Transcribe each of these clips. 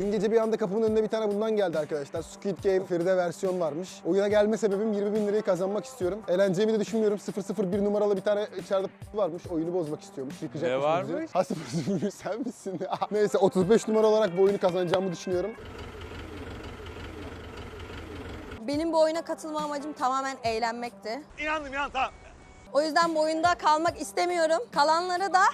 Dün gece bir anda kapımın önüne bir tane bundan geldi arkadaşlar. Squid Game Feride versiyon varmış. Oyuna gelme sebebim 20.000 lirayı kazanmak istiyorum. Eğleneceğimi de düşünmüyorum. 001 numaralı bir tane içeride varmış. Oyunu bozmak istiyormuş. Yıkacakmış. Ne varmış? Ha 001 sen misin? Neyse 35 numara olarak bu oyunu kazanacağımı düşünüyorum. Benim bu oyuna katılma amacım tamamen eğlenmekti. İnandım tamam. O yüzden bu oyunda kalmak istemiyorum. Kalanları da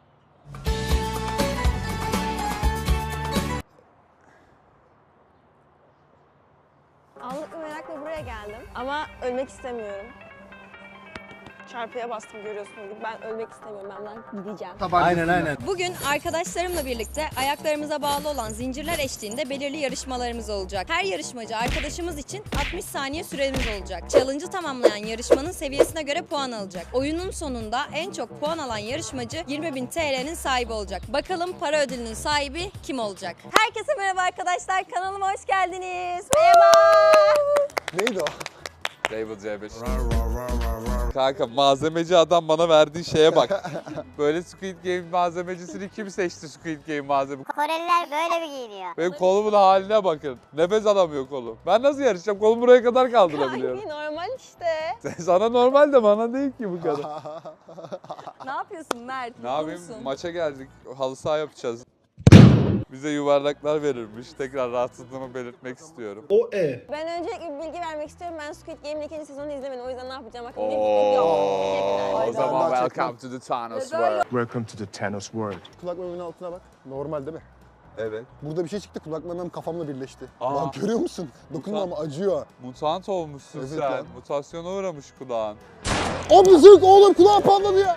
Anlık bir merakla buraya geldim ama ölmek istemiyorum. Çarpıya bastım görüyorsunuz gibi. Ben ölmek istemiyorum. Ben gideceğim. Aynen. bugün arkadaşlarımla birlikte ayaklarımıza bağlı olan zincirler eşliğinde belirli yarışmalarımız olacak. Her yarışmacı arkadaşımız için 60 saniye süremiz olacak. Challenge'ı tamamlayan yarışmanın seviyesine göre puan alacak. Oyunun sonunda en çok puan alan yarışmacı 20.000 TL'nin sahibi olacak. Bakalım para ödülünün sahibi kim olacak? Herkese merhaba arkadaşlar. Kanalıma hoş geldiniz. Merhaba. Neydi o? Table C5. Kanka malzemeci adam bana verdiği şeye bak. Böyle Squid Game malzemecisini kim seçti Squid Game malzeme? Koreliler böyle mi giyiniyor? Benim kolumun haline bakın. Nefes alamıyor kolum. Ben nasıl yarışacağım? Kolum buraya kadar kaldırabiliyorum. Ay normal işte. Sana normal de bana değil ki bu kadar. Ne yapıyorsun Mert? Ne yapayım? Maça geldik. Halı saha yapacağız. Bize yuvarlaklar verilmiş. Tekrar rahatsızlığımı belirtmek istiyorum. Ben öncelikle bir bilgi vermek istiyorum. Ben Squid Game'in 2. sezonunu izlemedim. O yüzden ne yapacağım hakkında bir fikrim yok. Teşekkürler. O zaman Daha welcome to the Thanos World. Welcome to the Thanos world. Kulak mememin altına bak. Normal değil mi? Evet. Burada bir şey çıktı. Kulak memem kafamla birleşti. Aa. Lan görüyor musun? Dokunma ama acıyor. Mutant olmuşsun Evet sen. lan. Mutasyona uğramış kulağın. Abi zırk oğlum kulağım patladı ya.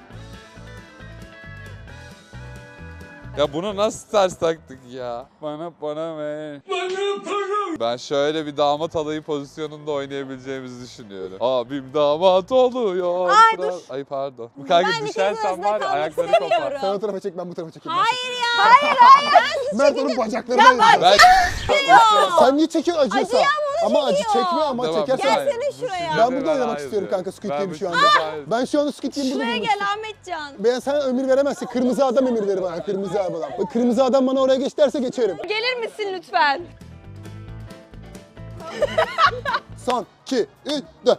Ya bunu nasıl ters taktık ya? Bana ver. Ben şöyle bir damat alayı pozisyonunda oynayabileceğimizi düşünüyorum. Abim damat oluyor. Ay, dur. Ay pardon. Bu kanka Ben düşersen ikinizin var ya arasında ayakları kalmak kopar. istemiyorum. Sen o tarafa çek ben bu tarafa çekeyim. Hayır ya. Mert onun bacaklarına yazıyor. Ben... Sen niye çekiyorsun acıyorsa? Ama acı çekiyor. çekme ama Tamam, çekersen. bir saniye. Gelsene şuraya. Bu Ben size burada oynamak hayır istiyorum diyorum. kanka Squid Ben Game'i bu şu size anda. hayır. Ben şu anda Squid Game'i burada Şuraya oynamak gel istiyorum. Ahmetcan. Ben sana emir veremezsin. Kırmızı adam emir verir bana. Kırmızı adam. Bak, kırmızı adam bana oraya geç derse geçerim. Gelir misin lütfen? Son, 2, 3, 4.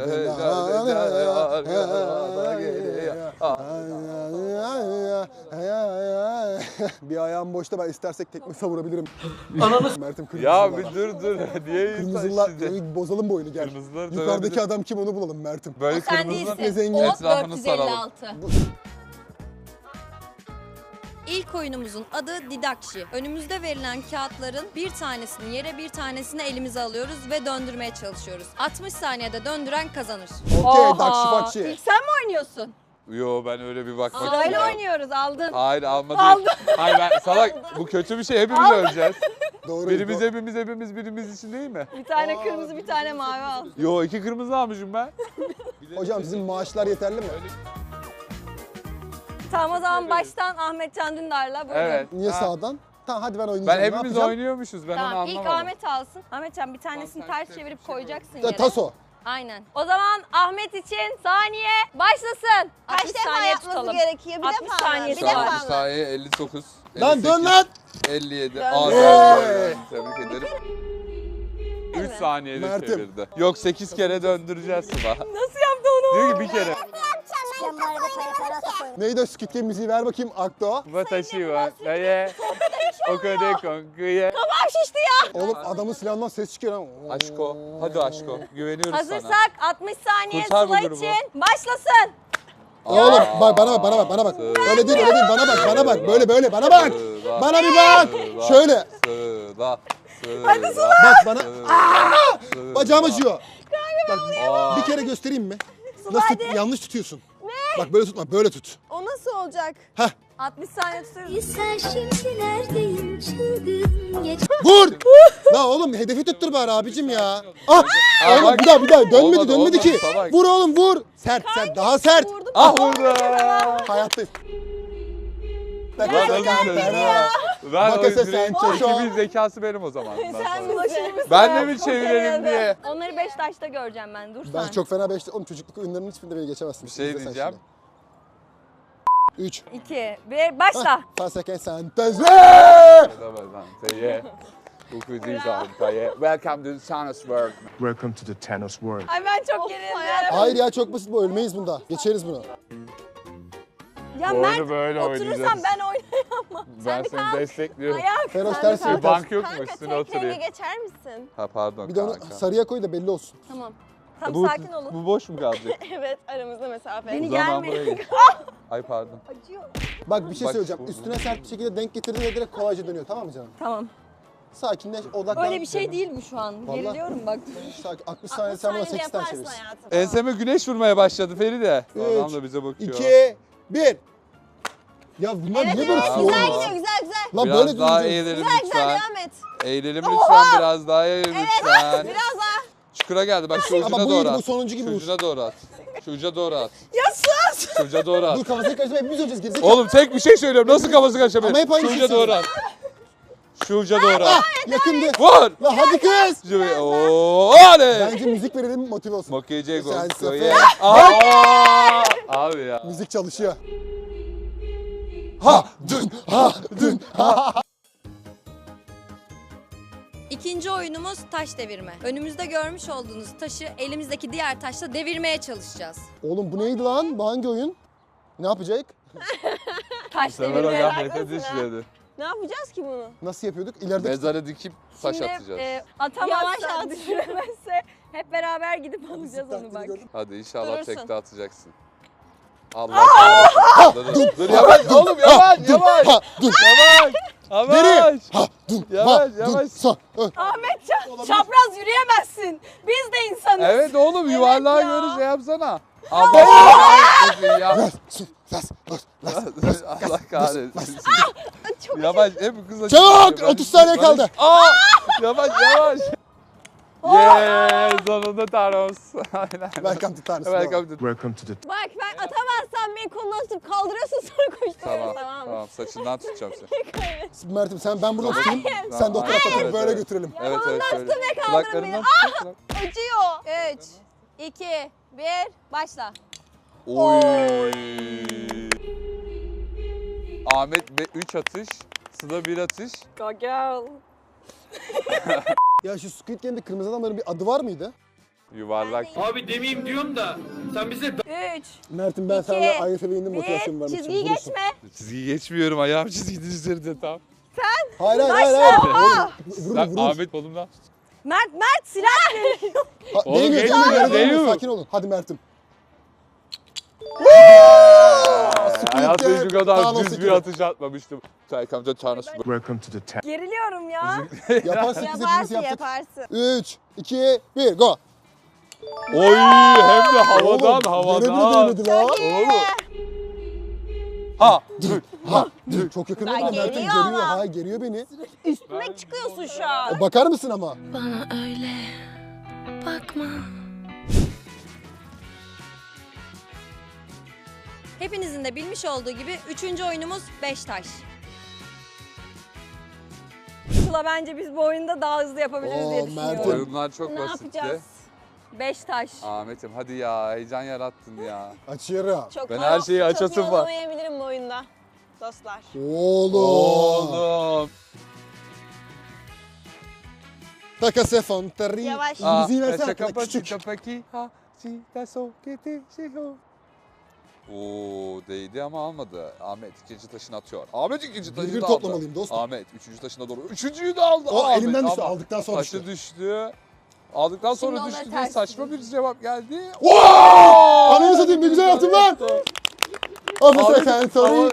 Bir ayağım boşta ben istersek tekme savurabilirim. Mert'im kırmızılar. Ya bir dur. Niye Kırmızılar, insan bozalım bu oyunu gel. Kırmızılar Yukarıdaki dövebilir. adam kim onu bulalım Mert'im. Böyle Sen kırmızı değilsin. zengin. O etrafını saralım. 456. İlk oyunumuzun adı Didakşi. Önümüzde verilen kağıtların bir tanesini yere bir tanesini elimize alıyoruz ve döndürmeye çalışıyoruz. 60 saniyede döndüren kazanır. Okey, Oha! dakşi bakşi. İlk sen mi oynuyorsun? Yo ben öyle bir bakmak Sırayla istiyorum. oynuyoruz aldın. Hayır almadım. Hayır ben salak bu kötü bir şey hepimiz öleceğiz. Doğru. Birimiz hepimiz birimiz için değil mi? Bir tane kırmızı bir tane mavi al. Yo 2 kırmızı almışım ben. Hocam sizin maaşlar yeterli mi? Tamam o zaman baştan Ahmetcan Dündar'la buyurun. Evet. Niye Ha. sağdan? Tamam hadi ben oynayacağım. Ben Ne hepimiz yapacağım? oynuyormuşuz ben onu Tamam anlamadım. ilk Ahmet alsın. Ahmetcan bir tanesini Tamam, ters sen çevirip bir şey koyacaksın Ya, yere. taso. Aynen. O zaman Ahmet için saniye başlasın. Kaç 60 defa saniye yapması tutalım. gerekiyor? Bir 60 defa mı? saniye Bir Şu defa an mı? saniye 59. Lan 58, dön lan! 57. Dön. Hey! Tebrik ederim. 3 saniyede Mert'im. çevirdi. Yok 8 kere döndüreceğiz Sıla. Nasıl yaptı onu? Diyor ki bir kere. Ben bu arada para koydum. Neydi o Squid Game müziği ver bakayım Akto. Watashi wa daye okode konkuye. Kafam şişti ya. Oğlum adamın silahından ses çıkıyor lan. Aşko. Hadi Aşko. Güveniyoruz sana. Hazırsak 60 saniye Kurtar bu Sıla grubu. için başlasın. Oğlum bak bana bak. Öyle değil bana bak böyle bana bak. Sıla. Bana bir bak. Sıla. Şöyle. Sıla. Hadi Sıla. Bak bana. Sıla. Bacağım acıyor. Bak Aa. bir kere göstereyim mi? Nasıl yanlış tutuyorsun. Bak böyle tutma böyle tut. O nasıl olacak? Heh 60 saniye tutuyoruz. Sen şimdi neredeyim çılgın geç. vur. La oğlum hedefi tuttur bari abicim ya. Ah. Aa, Oğlum bak. bir daha dönmedi Olmadı, ki. salak. Vur oğlum vur. Sert daha sert. Ah vurdu. Hayattayız. Ben Makasa o sen sen çoşo. Ekibin zekası benim o zaman. Sen misin? Ben de mi çevirelim diye. Onları Beşiktaş'ta göreceğim ben. Dur Ben sen. çok fena beşte. Oğlum çocukluk oyunlarının hiçbirinde beni geçemezsin. Bir şey İzle sen diyeceğim. şimdi. 3. 2, 1, başla. Paseken sentezle. Welcome to Thanos World. Welcome to the Thanos world. Ay ben çok gerildim. Hayır ya çok basit bu. Ölmeyiz bunda. Geçeriz bunu. Ya Oyunu Mert böyle oturursan oynayacağız. ben oynayamam. Ben seni destekliyorum. Ayak. Feroz ters Bir yürü. bank yok mu Kanka üstüne tek renge oturayım? geçer misin? Ha pardon Bir de onu kanka. sarıya koy da belli olsun. Tamam. Tam Bu, sakin olun. bu boş mu kalacak? Evet aramızda mesafe. Beni O zaman gelme. buraya geç. Ay pardon. Acıyor. Bak bir şey Bak, söyleyeceğim. bu- Üstüne sert bir şekilde denk getirdiğinde direkt kolayca dönüyor, tamam mı canım? Tamam. Sakinleş, odaklan. Öyle bir şey değil bu şu an. Vallahi. Geriliyorum bak. Sakin. 60 saniye sen buna 8 tane yaparsın çevirsin. hayatım. Enseme güneş vurmaya başladı Feride. Adam Üç, da bize bakıyor. 2, 1. Ya bunlar niye böyle evet, tutuyor? Güzel Aa. gidiyor güzel. Lan Biraz böyle daha döneceğiz. eğilelim Güzel lütfen. devam et. Eğilelim lütfen biraz daha eğilelim lütfen. Biraz daha. Çukura geldi bak şu Ama ucuna bu doğru iyiydi, at. bu sonuncu gibi Şu vur. ucuna doğru at. Şu uca doğru at. Ya sus! Şu uca doğru at. Dur kafasını karıştırma, hepimiz öleceğiz gerizekalı. Oğlum tek bir şey söylüyorum. Nasıl kafası kaçabilir? Ama hep aynı Şu şey uca doğru at. Şu uca doğru at. Yakındı. Vur! Lan hadi kız. Ooo oley! Bence müzik verelim motive olsun. Mokkeyce gol. Sen Goye. sefer. Aa! Abi ya. Müzik çalışıyor. Ha dün ha dün ha. İkinci oyunumuz taş devirme. Önümüzde görmüş olduğunuz taşı elimizdeki diğer taşla devirmeye çalışacağız. Oğlum bu neydi lan? Bu hangi oyun? Ne yapacak? Taş Sever o devirme. gaflete düşmedi. Ne yapacağız ki bunu? Nasıl yapıyorduk? İleride Mezara dikip taş Şimdi atacağız. Yavaş atamazsa, at. düşüremezse hep beraber gidip alacağız onu bak. Hadi inşallah Durursun. tekte atacaksın. Allah kahretsin. Dur yavaş oğlum yavaş yavaş. ha dün Yavaş. geri Yavaş. ha dün Yavaş, ha dün yavaş. sa. Ahmetcan çapraz yürüyemezsin. Biz de insanız. Evet oğlum yuvarlağa ya. göre şey yapsana. Allah kahretsin ya. Allah kahretsin. Yavaş hep kızla. Çabuk, 30 saniye kaldı. Aa! Yavaş yavaş. Yeah, sonunda Thanos. Aynen. Welcome to Thanos. Welcome to Welcome to the Bak ben atamazsam beni kolundan tutup kaldırıyorsun sonra koşturuyorsun Tamam, mı? tamam. Saçından tutacağım seni. Mert'im sen ben burada tutayım. Hayır. Sen de o tarafa Hayır. doğru böyle götürelim. Evet evet şöyle. ve kaldırın Kulaklarından tut. Acıyor. 3, 2, 1, başla. Oy. Ahmet 3 atış, Sıla 1 atış. Go girl. Ya şu Squid Game'de kırmızı adamların bir adı var mıydı? Yuvarlak. Abi demeyeyim diyorum da sen bize 3, Mert'im ben İki, sana ayrı seviyenin motivasyon 1, vermek için. çizgiyi Vurursun. geçme. Çizgiyi geçmiyorum, ayağım çizginin üzerinde tam. Hayır hayır hayır. Vurur Lan vurur. Ahmet kolumdan. Mert silah veriyor. Ha, Oğlum, değmiyor geçmiyor, değmiyor. değmiyor. Sakin olun. Hadi Mert'im. Hayatımda şu kadar Thanos düz bir ekibi. atış atmamıştım. Welcome to Thanos. welcome to the Thanos. Geriliyorum ya. Yaparsın biz hepimiz Yaparsın yaptık. yaparsın. 3, 2, 1 go. Oy hem de havadan Oğlum, yere bile havadan. değmedi la. Oğlum. Ha. Ha, dur, çok yakın oldu. Ben Mert'im geliyor geriyor. ama. Ha, geriyor beni. Üstüme çıkıyorsun şu an. O bakar mısın ama? Bana öyle bakma. Hepinizin de bilmiş olduğu gibi 3. oyunumuz 5 taş. Sıla bence biz bu oyunda daha hızlı yapabiliriz diye Oo, düşünüyorum. Mert'im. Oyunlar çok Ne basitti. yapacağız? 5 taş. Ahmet'im hadi ya heyecan yarattın ya. Açıyorum. Ben her şeyi açasım Çok iyi var. olamayabilirim bu oyunda. Dostlar. Oğlum. Oğlum. Takase fontari. Yavaş. Müziği versene essa arkadaş, küçük. capacita ha, si da so que te sigo. Oo değdi ama almadı. Ahmet ikinci taşını atıyor. Ahmet ikinci taşını Bir da aldı. toplamalıyım dostum. Ahmet üçüncü taşına doğru. Üçüncüyü de aldı. O Ahmet, elimden düştü, ama aldıktan sonra taşı düştü. düştü. Aldıktan sonra onları düştü diye ters saçma bir cevap geldi. Ananı satayım ne güzel yaptın lan. Afiyet sen sorry.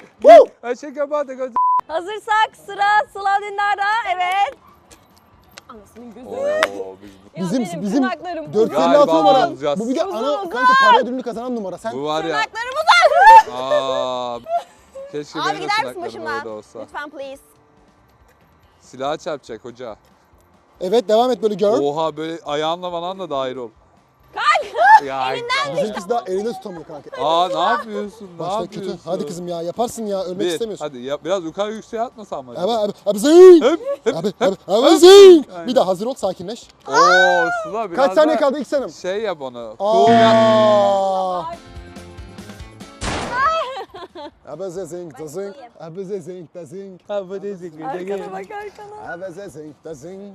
Hazırsak sıra Sıla Dündar'da. Evet. Anasının gözü. Oo, biz Bizim benim tırnaklarım 456 Galiba numara. bulacağız. Bu bir de Uzun, ana uzun. kanka para ödülünü kazanan numara. Sen bu var ya. Tırnaklarım uzak. Aa, keşke Abi benim de gider misin tırnaklarım başımdan? öyle olsa. Lütfen please. Silah çarpacak hoca. evet devam et böyle gör. Oha böyle ayağınla falan da dahil ol. Kanka! Ya, Bizimkisi daha elinde tutamıyor kanka. Aa ne yapıyorsun? Ne Başta yapıyorsun? kötü. Hadi kızım ya yaparsın ya ölmek Bir, istemiyorsun. hadi ya, biraz yukarı yükseğe atmasan mı? Abi zing. Hep. Abi zing. Aynen. Bir daha hazır ol sakinleş. Oo Sıla biraz Kaç saniye da kaldı ilk sanım? Şey yap onu. Cool yap. Aa. Abeze zink da zink. Abeze zink da zink. Abeze zink da zink. Arkana bak arkana. Abeze zink da zink.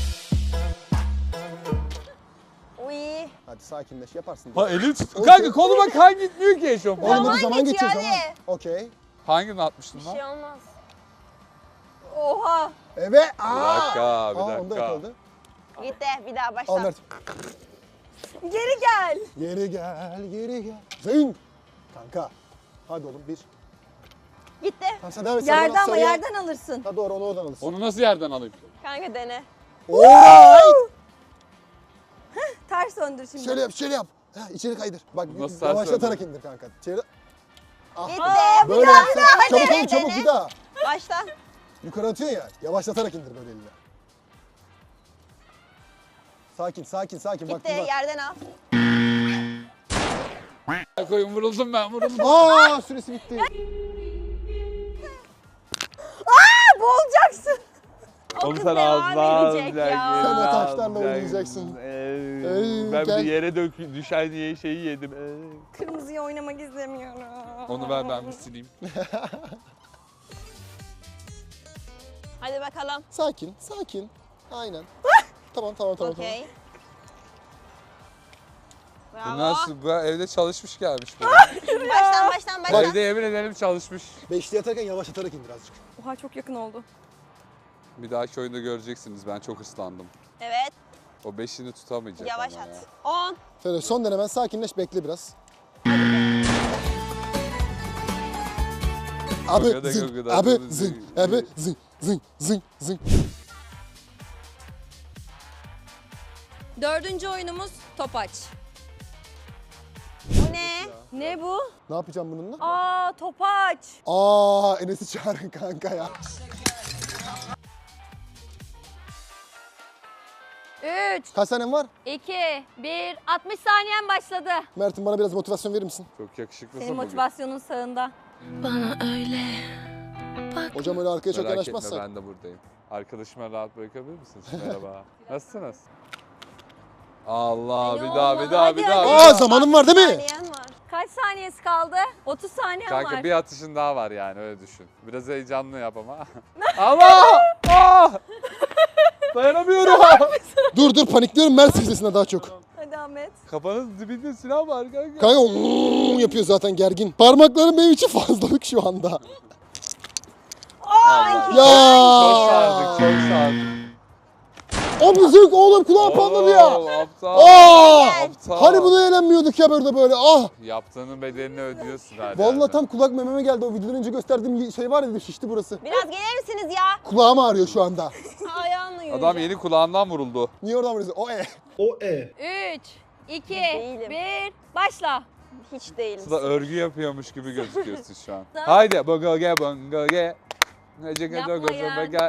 Uy. Hadi sakinleş yaparsın. Ha elini tut. Kanka koluma kan gitmiyor ki eşofman. Oğlum hadi Zaman zaman geçiyor, geçiyor zaman. hadi. Okey. Hangini atmıştın Bir lan? şey olmaz. Oha. Evet. Bir dakika, bir Onda dakika. yakaladı. Gitti. Bir daha Al başla. Mert. Geri gel. Geri gel, geri gel. Zing. Kanka. Hadi oğlum bir. Gitti. Tamam sen devam et. Yerden ama sarıya. yerden alırsın. Ha doğru onu oradan alırsın. Onu nasıl yerden alayım? Kanka dene. Alright. Ters döndür şimdi. Şöyle yap, şöyle yap. Ha, içeri kaydır. Bak Nasıl ters yavaşlatarak indir kanka. İçeri. Gitti. Böyle Bir daha, yapsın. bir daha. Hadi, Çabuk oğlum çabuk dene. bir daha. Başla. Yukarı atıyorsun ya. Yavaşlatarak indir böyle eline. Sakin, sakin, sakin. Bak Gitti. bak. Yerden al. Koyun vuruldum ben vuruldum. Aa süresi bitti. Boğulacaksın. O Oğlum kız sen devam ağzına edecek ya. Sen de taşlarla oynayacaksın. Ben gel. bir yere düşen diye şeyi yedim. Kırmızıyı oynamak istemiyorum. Onu ver ben bir sileyim. Hadi bakalım. Sakin, sakin. Aynen. tamam, tamam, tamam. Okey. Bu Bravo. nasıl? Bu evde çalışmış gelmiş bu. Baştan. Evde yemin ederim çalışmış. Beşli atarken yavaşlatarak indir azıcık. Oha çok yakın oldu. Bir dahaki oyunda göreceksiniz ben çok ıslandım. Evet. O beşini tutamayacak Yavaş ama at. ya. 10. Şöyle son denemen sakinleş bekle biraz. Abi Gogoda, zing, gogoda, abi gogoda, zing, zing. abi zing, zing, zing, zing. Dördüncü oyunumuz topaç. Bu ne? Ne bu? Ne yapacağım bununla? Aa topaç. Aa Enes'i çağırın kanka ya. 3, Kaç tanem var? 2, 1, 60 saniyen başladı. Mert'im bana biraz motivasyon verir misin? Çok yakışıklısın Senin bugün. motivasyonun sağında. Hocam öyle arkaya çok Merak etme yanaşmazsak. ben de buradayım. Arkadaşıma rahat bırakabilir misiniz? Merhaba. Nasılsınız? Allah Ay, bir olma. daha bir daha Hadi, bir daha. hadi. bir Aa daha. zamanım var değil mi? Saniyen var. Kaç saniyesi kaldı? 30 saniyen Kanka var. bir atışın daha var yani öyle düşün. Biraz heyecanlı yap ama. Allah! Ah! Dayanamıyorum. Dur panikliyorum Mert sesine daha çok. Hadi Ahmet. Kafanın dibinde silah var kanka. Kanka yapıyor zaten gergin. Parmaklarım benim için fazlalık şu anda. Allah. Çok Ya. sardık çok sardık. Abi zırk oğlum kulağım patladı ya. Oo, Aptal. Aa! Aptal. Hani bunu eğlenmiyorduk ya böyle. Ah! Yaptığının bedelini ödüyorsun hala. Vallahi tam kulak mememe geldi. O videodan önce gösterdiğim şey var ya şişti burası. Biraz gelir misiniz ya? Kulağım ağrıyor şu anda. Ayağınla yürüyeceğim. Adam yeni kulağından vuruldu. Niye oradan vuruyorsun? O 3, 2, Değilim. 1, başla. Hiç değilim. Sıla örgü yapıyormuş gibi gözüküyorsun şu an. Haydi bongoge bongoge. Yapma ya.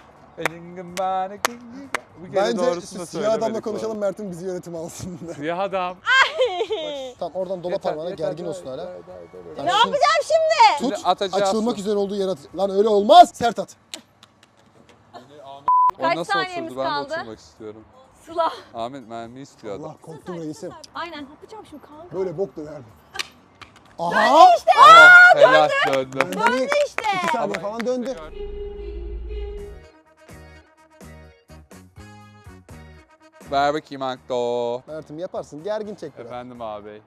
Bu kere Bence doğrusunu da siyah adamla söylemedik konuşalım bu Mert'in bizi yönetim alsın. arada. Siyah adam. Tamam oradan dola parmağına gergin olsun hala. Ne yapacağım şimdi? Şimdi Tut atacağız. açılmak üzere olduğu yere at. Lan öyle olmaz. Sert at. O Kaç nasıl saniyemiz oturdu? Ben de kaldı? oturmak istiyorum. Sıla. Ahmet mermi istiyor adam. Allah korktum reisim. Aynen. Yapacağım şimdi kanka. Böyle bok döner mi? Aha! Helal döndü. Benden iyi. İşte. 2 saniye falan döndü. Ver bakayım Akto. Mert'im yaparsın. Gergin çek biraz. Efendim abi.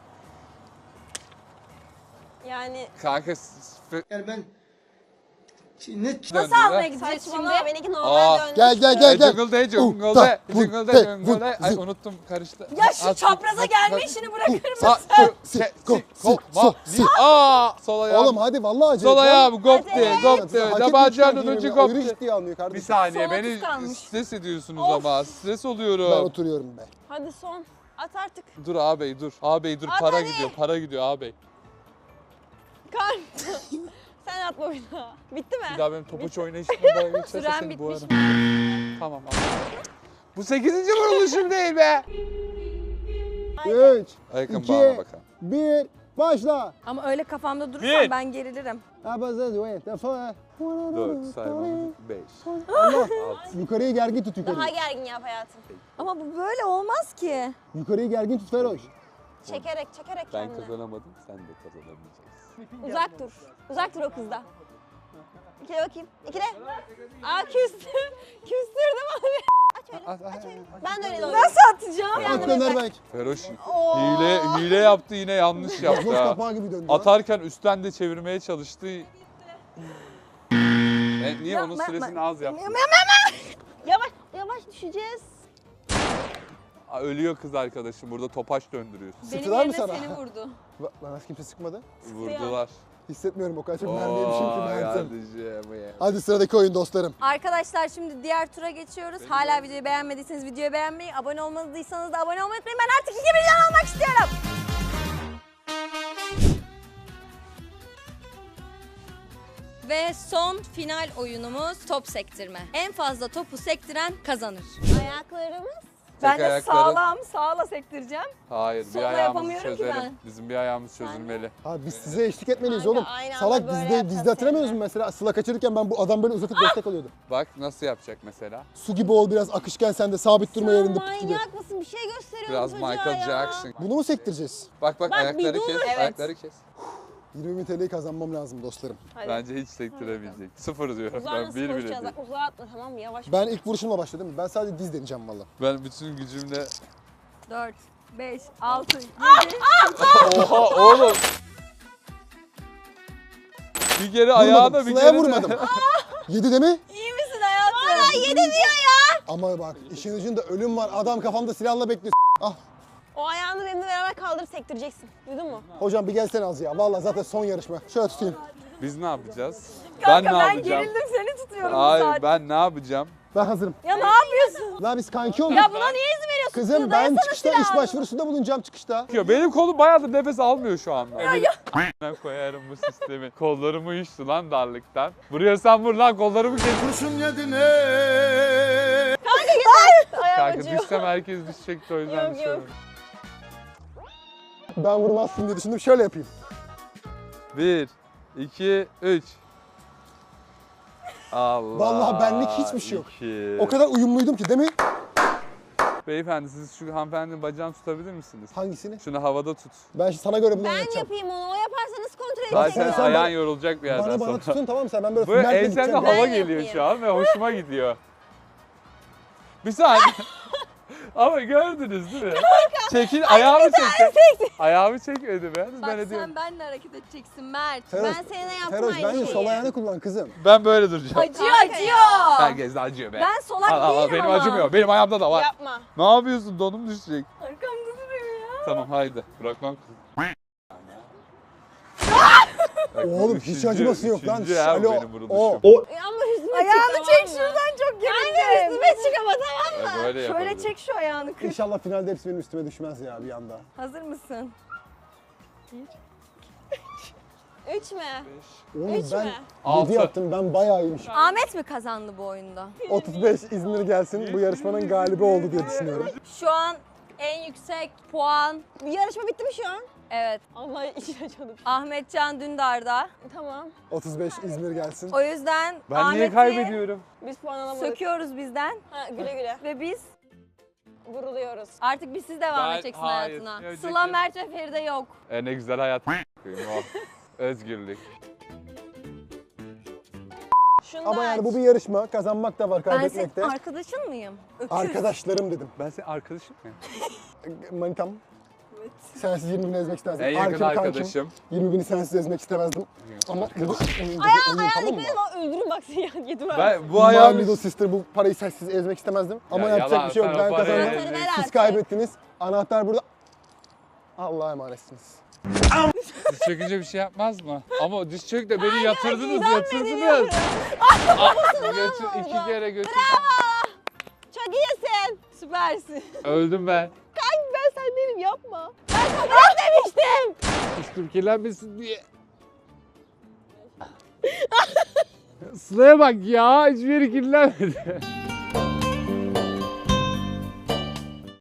Yani Kanka Yani ben ne Nasıl almaya gideceğiz şimdi? saçmalama benimki normal döndü. Gel. Jungle jungle. Ay unuttum karıştı. Ya şu çapraza gelme işini bırakır mısın? Sol ayağım. Oğlum hadi vallahi acele. Sol ayağım gopti Hadi. gopti. Dabacanın ucu Ayrı gopti. ciddiye almıyor Bir kardeşim. saniye Sol beni atış kalmış. stres ediyorsunuz ama stres Ben oluyorum. oturuyorum be. Hadi son. At artık. Dur ağabey dur. Ağabey dur At para hadi. gidiyor para gidiyor ağabey. Kan. Sen atma bir daha. Bitti mi? Bir daha benim topuç oynayışımda geçerse Süren seni bitmiş. boğarım. Tamam abi. Bu 8. vuruluşum değil be. 3, Ayakkabı 2, bağla bakalım. 1, başla. Ama öyle kafamda durursam Bir. ben gerilirim. 4 saymamız 5. Allah. Yukarıyı gergin tut yukarıyı. Daha gergin yap hayatım. Ama bu böyle olmaz ki. Yukarıyı gergin tut Feroş. Çekerek Ben kendini. kazanamadım sen de kazanamayacaksın. Uzak dur. Uzak dur o kızdan. İkile bakayım. İkile. Aa küstü. Küstürdüm abi. Aç öyle. Ben de öyle doğru. Nasıl atacağım? At gönder belki. Feroş hile yaptı, yine yanlış yaptı Boz ha. kapağı gibi döndü. Atarken üstten de çevirmeye çalıştı. Niye onun süresini az yaptı? Yavaş yavaş düşeceğiz. Ölüyor kız arkadaşım, burada topaç döndürüyorsun. Benim Sıktılar mı yerine sana? seni vurdu. Bana nasıl kimse sıkmadı? Vurdular. Hissetmiyorum o kadar çok mermi yemişim ki ben. Kardeşim ya. Hadi sıradaki oyun dostlarım. Arkadaşlar şimdi diğer tura geçiyoruz. Hala videoyu beğenmediyseniz videoyu beğenmeyi, abone olmadıysanız da abone olmayı unutmayın. Ben artık 2 milyon olmak istiyorum. Ve son final oyunumuz top sektirme. En fazla topu sektiren kazanır. Ayaklarımız. Ben de ayakları- sağla sektireceğim. Hayır, bir Sola ayağımızı yapamıyorum ki çözelim. ben. Bizim bir ayağımız çözülmeli. Abi biz size eşlik etmeliyiz Kanka, oğlum. aynı anda Salak böyle dizide yapacağız hatırlamıyor musun seninle. mesela? Sıla kaçırırken ben bu adam böyle uzatıp destek alıyordu. Bak nasıl yapacak mesela? Su gibi ol biraz akışken sen de sabit durma Sen yerinde put gibi. manyak mısın? Bir şey gösteriyorum Biraz çocuğa Michael ya. Jackson. Bunu mu sektireceğiz? Bak Bak, bir ayakları dur. kes, Evet. ayakları kes. 20 bin TL'yi kazanmam lazım dostlarım. Hadi. Bence hiç sektiremeyecek. Sıfır diyorum. Uzağa Ben nasıl bir bile koşacağız? değil. Bak uzağa atma tamam mı? Yavaş. Ben ilk vuruşumla başladım. Ben sadece diz deneyeceğim valla. Ben bütün gücümle... 4, 5, 6, 7. Oha oğlum! Bir kere ayağına bir Sıla'ya kere de- vurmadım. 7 de mi? İyi misin hayatım? Hala 7 diyor ya. Ama bak işin ucunda ölüm var. Adam kafamda silahla bekliyor. Ah O ayağını benimle beraber kaldırıp sektireceksin. Duydun mu? hocam bir gelsene az ya. Valla zaten son yarışma. Şöyle tutayım. Biz ne yapacağız? Kanka ben ne yapacağım? gerildim seni tutuyorum bu Hayır saat. ben ne yapacağım? Ben hazırım. Ya ne yapıyorsun? La biz kanki olduk. Ya buna niye izin veriyorsun? Kızım Suda ben dayasana çıkışta iş silahını. başvurusunda bulunacağım çıkışta. Benim kolum bayağıdır nefes almıyor şu anda. Ben koyarım bu sistemi. Kollarım uyuştu lan darlıktan. Buraya sen vur lan, kollarımı kes. Kurşun yedin Ayağım Kanka acıyor. düşsem herkes düşecekti, o yüzden Yok, yok. düşüyorum. Ben vurmazsın diye düşündüm. Şöyle yapayım. 1, 2, 3. Allah. Vallahi benlik hiçbir şey yok. 2. O kadar uyumluydum ki değil mi? Beyefendi siz şu hanımefendinin bacağını tutabilir misiniz? Hangisini? Şunu havada tut. Ben sana göre bunu Ben yapacağım. yapayım onu. O yaparsa nasıl kontrol Zaten edeceğim? sen ayağın bana- yorulacak bir yerden Bana sonra. tutun tamam mı sen? Ben böyle Böyle finalde ensende gideceğim. hava Ben geliyor yapayım. şu an ve hoşuma gidiyor. Bir saniye. Ama gördünüz değil mi? Çekil, ayağımı çekti. Ayağımı çekmedi be. Bak Ben ediyorum. sen benimle hareket edeceksin Mert. Feroz, Ben seninle yaptım Feroz aynı bence şeyi. sol ayağını kullan kızım. Ben böyle duracağım. Acıyor Kanka acıyor. Herkes de acıyor be. Ben solak Al, değilim benim ama. acımıyor. Benim ayağımda da var. Yapma. Ne yapıyorsun? Donum düşecek. Arkamda duruyor ya. Tamam haydi. Bırakmam. Oğlum hiç acıması yok lan. Üçüncü her Alo, benim vuruluşum. o. Ama üstüme çık Ayağını tamam çek mı? şuradan çok Kanka gerildim. üstüme çık ama tamam mı? Böyle Şöyle yapabilirim. çek şu ayağını kır. İnşallah finalde hepsi benim üstüme düşmez ya bir anda. Hazır mısın? 3 mü? Oğlum Üç ben mü? 6. 7 yaptım ben bayağı iyiymişim. Ahmet mi kazandı bu oyunda? 35 İzmir gelsin bu yarışmanın galibi oldu diye düşünüyorum. Şu an en yüksek puan, Bir yarışma bitti mi şu an? evet, Allah içine canım. Ahmetcan Dündar'da. Tamam. 35 İzmir gelsin. O yüzden Ben niye Ahmet'i kaybediyorum? Biz puan alamadık. söküyoruz bizden Ha, güle güle. ve biz Vuruluyoruz. artık siz devam Ben- edeceksin hayır, hayatına. önceki- Sıla, Mert ve Feride yok. Ne güzel hayat. O. Özgürlük. Şunu Ama da yani aç. bu bir yarışma. Kazanmak da var, Ben senin kaybetmek de. arkadaşın mıyım? Öküz. Arkadaşlarım dedim. Ben senin arkadaşım mıyım? Manitam. Sensiz 20 bini ezmek istemezdim. En yakın Arkim kankim. arkadaşım. 20 bini sensiz ezmek istemezdim. Ama Ayağına tamam dikkat mı? et ama öldürün bak seni ya. Yedim abi. Ben bu My ayağım... little sister bu parayı sensiz ezmek istemezdim. Ama Ya yapacak yalan, bir şey yok. sen o Ben parayı kazandım. Anahtarı ver Siz artık. kaybettiniz. Anahtar burada. Allah'a emanetsiniz. Diz çökünce bir şey yapmaz mı? Ama o diz çök de beni yatırdınız, idam yatırdınız. ediliyorum. Götür, 2 kere götür. Çok iyisin. Süpersin. Öldüm ben. Kanka ben sen değilim yapma. Ben sana bırak demiştim. Üstüm kirlenmesin diye. Sıla'ya bak ya, hiçbir yeri kirlenmedi.